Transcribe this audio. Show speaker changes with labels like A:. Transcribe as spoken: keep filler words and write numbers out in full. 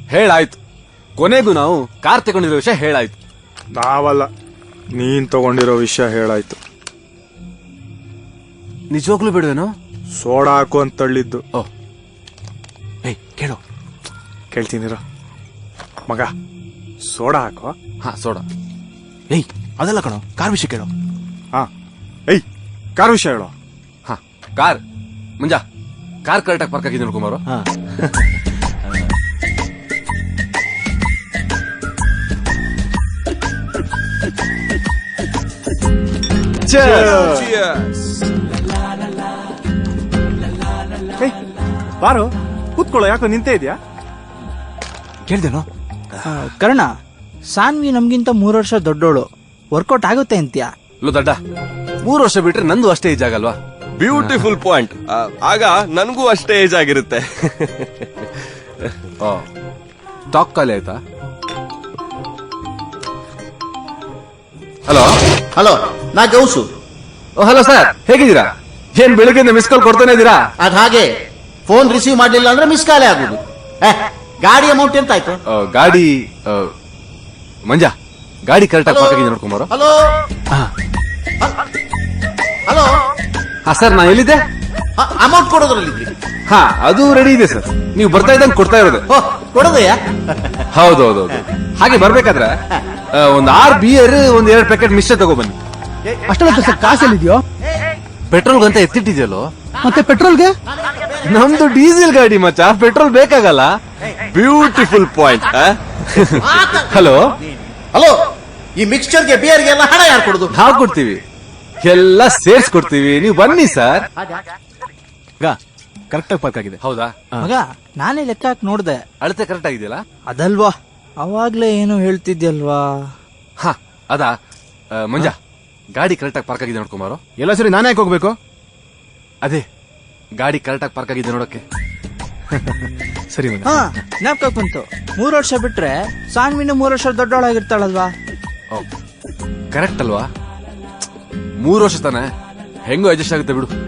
A: ಹೇಳಾಯ್ತು. ಕೊನೆಗೂ ನಾವು ಕಾರ್ ತಗೊಂಡಿರೋ ವಿಷಯ ಹೇಳಾಯ್ತು.
B: ನಾವಲ್ಲ, ನೀನ್ ತಗೊಂಡಿರೋ ವಿಷಯ ಹೇಳಾಯ್ತು.
A: ನಿಜವಾಗ್ಲೂ ಬಿಡುವೇನೋ?
B: ಸೋಡಾ ಹಾಕು ಅಂತ ತಳ್ಳಿದ್ದು.
A: ಓ ಏಯ್ ಕೇಳು.
B: ಕೇಳ್ತೀನಿರೋ ಮಗ, ಸೋಡಾ ಹಾಕೋ.
A: ಹಾ ಸೋಡಾ.
C: ಏಯ್ ಅದೆಲ್ಲ ಕಣೋ, ಕಾರ್ ವಿಷಯ ಕೇಳೋ.
B: ಹಾ ಏಯ್ ಕಾರ್ ವಿಷಯ ಹೇಳೋ.
A: ಹಾ ಕಾರ್. ಮುಂಜಾ ಕಾರ್ ಕರೆಕ್ಟಾಗಿ ಪಾರ್ಕ್ ಆಗಿದೆ ನೋಡ್ಕೊಂಬಾರೋ.
C: ಹಾ
B: ಬಾರೋ ಕೂತ್ಕೊಳ್ಳೋ, ಯಾಕೋ ನಿಂತೇ ಇದೆಯಾ?
C: ಕೇಳ್ದೇನೋ?
D: ಕರ್ಣ, ಸಾನ್ವಿ ನಮ್ಗಿಂತ ಮೂರು ವರ್ಷ ದೊಡ್ಡೋಳು, ವರ್ಕೌಟ್ ಆಗುತ್ತೆ ಅಂತ್ಯಾ?
A: ಲೋ ದಡ್ಡ, ಮೂರು ವರ್ಷ ಬಿಟ್ರೆ ನಂದು ಅಷ್ಟೇ ಏಜ್ ಆಗಲ್ವಾ?
E: Beautiful point. ಆಗ ನನಗೂ ಅಷ್ಟೇ ಏಜ್ ಆಗಿರುತ್ತೆ.
A: ಟಾಕ್ ಖಾಲಿ ಆಯ್ತಾ? ಹಲೋ
F: ಹಲೋ, ನಾ ಗೌಸು.
A: ಹಲೋ ಸರ್, ಹೇಗಿದ್ದೀರಾ? ಏನ್ ಬೆಳಿಗ್ಗೆ ಮಿಸ್ ಕಾಲ್ ಕೊಡ್ತಾನೆ ಇದ್ದೀರಾ?
F: ಅದ್ ಹಾಗೆ ಫೋನ್ ರಿಸೀವ್ ಮಾಡ್ಲಿಲ್ಲ ಅಂದ್ರೆ ಮಿಸ್ ಕಾಲೇ ಆಗುದು. ಗಾಡಿ ಅಮೌಂಟ್ ಎಂತ ಆಯ್ತು?
A: ಆ, ಗಾಡಿ ಆ, ಮಂಜಾ ಗಾಡಿ ಕರೆಕ್ಟಾಗಿ ಪಾರ್ಕ್ ಆಗಿದೆ ನೋಡ್ಕೊಂಬಾರೋ.
F: Hello hello.
A: ಹಾ ಸರ್, ನಾ ಎಲ್ಲಿದ್ದೆ?
F: ಅಮೌಂಟ್ ಕೊಡೋದ್ರಲ್ಲಿದ್ರಿ?
A: ಹಾ ಅದು ರೆಡಿ ಇದೆ ಸರ್. ನೀವು ಬರ್ತಾ ಇದ್ದಂಗೆ ಕೊಡ್ತಾ ಇರೋದು.
F: ಓ ಕೊಡೋದಯ್ಯ?
A: ಹೌದೌದು. ಹಾಗೆ ಬರ್ಬೇಕಾದ್ರೆ ಆ, ಒಂದ್ ಆರ್ ಬಿಯರ್ ಒಂದ್ ಎರಡ್ ಪ್ಯಾಕೆಟ್ ಮಿಶ್ರ ತಗೊಬನ್ನಿ.
D: ಅಷ್ಟೊಂದು ಸರ್ ಕಾಸಲ್ಲಿದ್ಯೋ?
A: ಪೆಟ್ರೋಲ್ಗಂತ ಎತ್ತಿಟ್ಟಿದ್ಯಲ್ಲೋ.
D: ಮತ್ತೆ ಪೆಟ್ರೋಲ್ಗೆ?
A: ನಮ್ದು ಡೀಸೆಲ್ ಗಾಡಿ ಮಚ್ಚ, ಪೆಟ್ರೋಲ್ ಬೇಕಾಗಲ್ಲ.
E: Beautiful point.
A: ಹಲೋ
F: ಹಲೋ, ಈ ಮಿಕ್ಸ್ಚರ್ಗೆ ಬಿಯರ್ಗೆ ಎಲ್ಲ ಹಣ ಯಾರು ಕೊಡುದು?
A: ನಾವು ಕೊಡ್ತೀವಿ, ಎಲ್ಲ ಸೇರ್ಸ್ ಕೊಡ್ತೀವಿ. ನೀವು ಬನ್ನಿ ಸರ್.
C: ಕರೆಕ್ಟಾಗಿ ಪಾರ್ಕ್ ಆಗಿದೆ.
A: ಹೌದಾ?
D: ಮಗ, ನಾನೇ ಲೆಕ್ಕ ಹಾಕಿ ನೋಡ್ದೆ,
A: ಅಳತೆ ಕರೆಕ್ಟ್ ಆಗಿದೆಯಲ್ಲ?
D: ಅದಲ್ವಾ ಅವಾಗ್ಲೇ ಏನು ಹೇಳ್ತಿದ್ಯಲ್ವಾ?
A: ಹಾ ಅದಾ. ಆ, ಮಂಜಾ ಗಾಡಿ ಕರೆಕ್ಟಾಗಿ ಪಾರ್ಕ್ ಆಗಿದೆ ನೋಡ್ಕೊಂಬಾರೋ.
C: ಎಲ್ಲ ಸರಿ ನಾನೇ ಯಾಕೆ ಹೋಗ್ಬೇಕು?
A: ಅದೇ ಗಾಡಿ ಕರೆಕ್ಟಾಗಿ ಪಾರ್ಕ್ ಆಗಿದೆ ನೋಡಕ್ಕೆ.
C: ಸರಿ ಮಗ.
D: ಹಾ ಜ್ಞಾಪಕ ಬಂತು, ಮೂರು ವರ್ಷ ಬಿಟ್ರೆ ಸಾನ್ವಿನ ಮೂರು ವರ್ಷ ದೊಡ್ಡವಳಾಗಿರ್ತಾಳಲ್ವಾ?
A: ಕರೆಕ್ಟ್ ಅಲ್ವಾ? ಮೂರು ವರ್ಷ ತಾನೆ, ಹೆಂಗೋ ಅಡ್ಜಸ್ಟ್ ಆಗುತ್ತೆ ಬಿಡು.